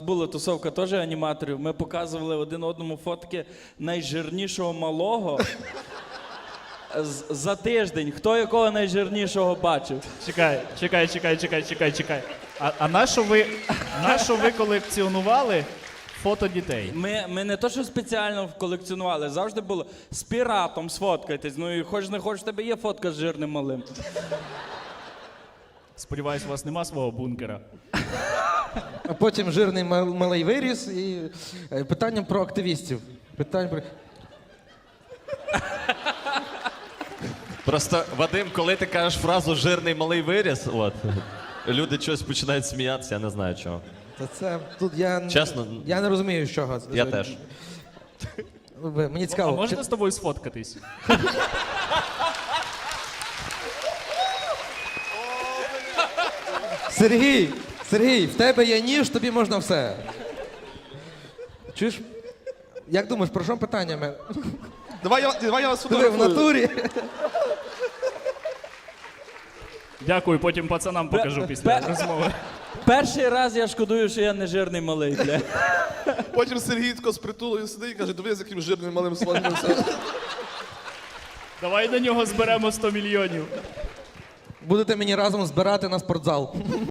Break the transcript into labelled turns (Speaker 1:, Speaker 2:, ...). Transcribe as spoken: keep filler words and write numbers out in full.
Speaker 1: Була тусовка теж аніматорів, ми показували один одному фотки найжирнішого малого з- за тиждень. Хто якого найжирнішого бачив?
Speaker 2: Чекай, чекай, чекай, чекай, чекай, чекай. А, а на що ви, на що ви колекціонували фото дітей?
Speaker 1: Ми, ми не то, що спеціально колекціонували, завжди було з піратом сфоткайтесь. Ну і хоч не хоч, в тебе є фотка з жирним малим.
Speaker 2: Сподіваюсь, у вас нема свого бункера.
Speaker 3: А потім жирний мал- малий виріс і е, питання про активістів. Питання про...
Speaker 4: Просто, Вадим, коли ти кажеш фразу «жирний малий виріс», от, люди щось починають сміятися, я не знаю чого.
Speaker 3: Та це тут я, н-
Speaker 4: Чесно?
Speaker 3: я не розумію, з чого.
Speaker 4: Я теж.
Speaker 3: Ви- Мені
Speaker 2: А
Speaker 3: цікаво.
Speaker 2: можна
Speaker 3: чи-
Speaker 2: з тобою сфоткатись?
Speaker 3: Сергій, Сергій, в тебе є ніж, тобі можна все. Чуєш? Як думаєш, про що питання? Мен?
Speaker 5: Давай я, давай я вас
Speaker 3: Диви, в
Speaker 5: фотографую.
Speaker 3: натурі.
Speaker 2: Дякую, потім пацанам покажу після
Speaker 1: Пе-
Speaker 2: розмови.
Speaker 1: Перший раз я шкодую, що я не жирний малий, бля.
Speaker 5: Потім Сергій тако з притулою сидить і каже, диви, з яким жирним малим свалимося.
Speaker 2: Давай на нього зберемо сто мільйонів.
Speaker 3: Будете мені разом збирати на спортзал.